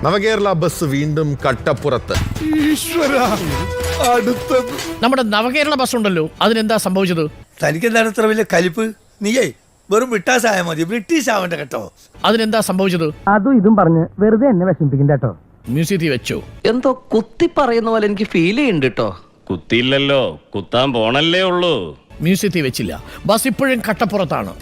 നവകേരള bus വീണ്ടും കട്ടപ്പുറത്ത്. നമ്മുടെ നവകേരള bus ഉണ്ടല്ലോ, അതിനെന്താ സംഭവിച്ചത്? തനിക്കെന്താണ് ഇത്ര വലിയ കലിപ്പ്? നീയേ വെറും ബ്രിട്ടാസായ മതി, ബ്രിട്ടീഷ് ആവണ്ട കേട്ടോ. അതിനെന്താ സംഭവിച്ചത്? അതും ഇതും പറഞ്ഞ് വെറുതെ എന്നെ വിഷമിപ്പിക്കണ്ട കേട്ടോ. മ്യൂസിയത്തിൽ വെച്ചോ? എന്തോ കുത്തി പറയുന്ന പോലെ എനിക്ക് ഫീൽ ചെയ്യുന്നുണ്ട് കേട്ടോ. കുത്തിയില്ലല്ലോ, കുത്താൻ പോണല്ലേ ഉള്ളൂ. മ്യൂസിയത്തിൽ വെച്ചില്ല, ബസ് ഇപ്പോഴും കട്ടപ്പുറത്താണ്.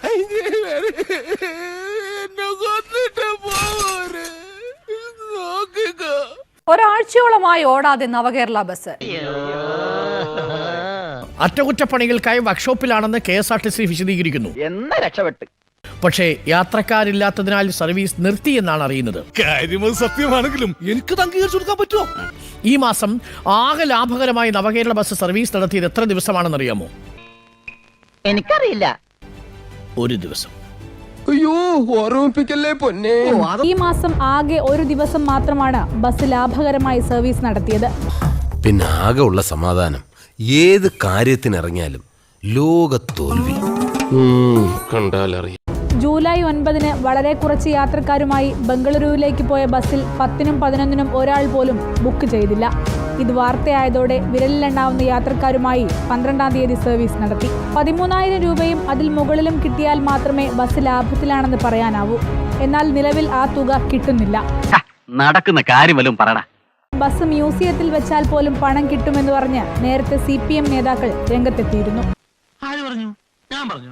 ഒരാഴ്ചയോളമായി ഓടാതെ നവകേരള ബസ്. അറ്റകുറ്റപ്പണികൾക്കായി വർക്ക്ഷോപ്പിലാണെന്ന് KSRTC വിശദീകരിക്കുന്നു. രക്ഷപ്പെട്ട്. പക്ഷേ യാത്രക്കാരില്ലാത്തതിനാൽ സർവീസ് നിർത്തിയെന്നാണ് അറിയുന്നത്. സത്യമാണെങ്കിലും എനിക്ക് അംഗീകരിച്ചു കൊടുക്കാൻ പറ്റുമോ? ഈ മാസം ആകെ ലാഭകരമായി നവകേരള ബസ് സർവീസ് നടത്തിയത് എത്ര ദിവസമാണെന്നറിയാമോ? എനിക്കറിയില്ല. ഒരു ദിവസം. അയ്യോ, ഓർമ്മിപ്പിക്കല്ലേ പൊന്നെ. ഈ മാസം ആകെ ഒരു ദിവസം മാത്രമാണ് ബസ് ലാഭകരമായി സർവീസ് നടത്തിയത്. പിന്നെ ആകെ ഉള്ള സമാധാനം ഏത് കാര്യത്തിനിറങ്ങിയാലും ലോക തോൽവി കണ്ടാലറിയാം. ജൂലൈ 9 വളരെ കുറച്ച് യാത്രക്കാരുമായി ബംഗളൂരുവിലേക്ക് പോയ ബസ്സിൽ 10-നും 11-നും ഒരാൾ പോലും ബുക്ക് ചെയ്തില്ല. ഇത് വാർത്തയായതോടെ വിരലിലെണ്ണാവുന്ന യാത്രക്കാരുമായി 12-ാം തീയതി സർവീസ് നടത്തി. 13,000 രൂപയും അതിൽ മുകളിലും കിട്ടിയാൽ മാത്രമേ ബസ് ലാഭത്തിലാണെന്ന് പറയാനാവൂ. എന്നാൽ നിലവിൽ ആ തുക കിട്ടുന്നില്ല. നടക്കുന്ന കാര്യം വല്ലതും പറടാ. ബസ് മ്യൂസിയത്തിൽ വെച്ചാൽ പോലും പണം കിട്ടുമെന്ന് പറഞ്ഞ് നേരത്തെ CPM നേതാക്കൾ രംഗത്തെത്തിയിരുന്നു. ആര് പറഞ്ഞു? ഞാൻ പറഞ്ഞു.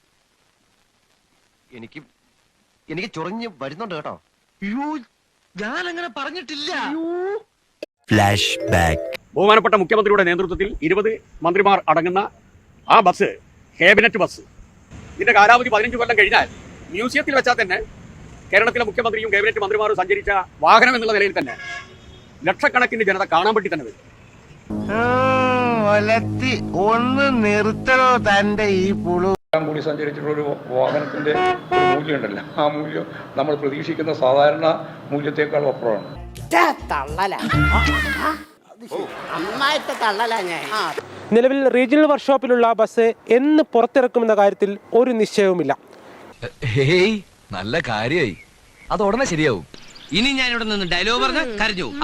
എനിക്ക് ചൊറിഞ്ഞ് വരുന്നുണ്ട് കേട്ടോ. ഞാൻ അങ്ങനെ പറഞ്ഞിട്ടില്ല. Flash back. ബഹുമാനപ്പെട്ട മുഖ്യമന്ത്രിയുടെ നേതൃത്വത്തിൽ 20 മന്ത്രിമാർ അടങ്ങുന്ന ആ ബസ് ക്യാബിനറ്റ് ബസ്, ഇതിന്റെ കാലാവധി 15 കൊല്ലം കഴിഞ്ഞാൽ മ്യൂസിയത്തിൽ വെച്ചാൽ തന്നെ കേരളത്തിലെ മുഖ്യമന്ത്രിയും ക്യാബിനറ്റ് മന്ത്രിമാരും സഞ്ചരിച്ച വാഹനം എന്നുള്ള നിലയിൽ തന്നെ ലക്ഷക്കണക്കിന് ജനത കാണാൻ വേണ്ടി തന്നെ വരും. ഒന്ന് നിർത്തണോ തന്റെ ഈ പുളു? കൂടി സഞ്ചരിച്ചിട്ടുള്ള ഒരു വാഹനത്തിന്റെ മൂല്യമുണ്ടല്ലോ, ആ മൂല്യം നമ്മൾ പ്രതീക്ഷിക്കുന്ന സാധാരണ മൂല്യത്തെക്കാൾ അപ്പുറമാണ്. നിലവിൽ റീജിയണൽ വർക്ക്ഷോപ്പിലുള്ള ബസ് എന്ന് പുറത്തിറക്കുമെന്ന കാര്യത്തിൽ ഒരു നിശ്ചയവുമില്ല. നല്ല കാര്യായി, അത് ഉടനെ ശരിയാവും. ഇനി ഞാൻ ഇവിടെ നിന്ന് ഡയലോഗ് പറഞ്ഞ് കരഞ്ഞു.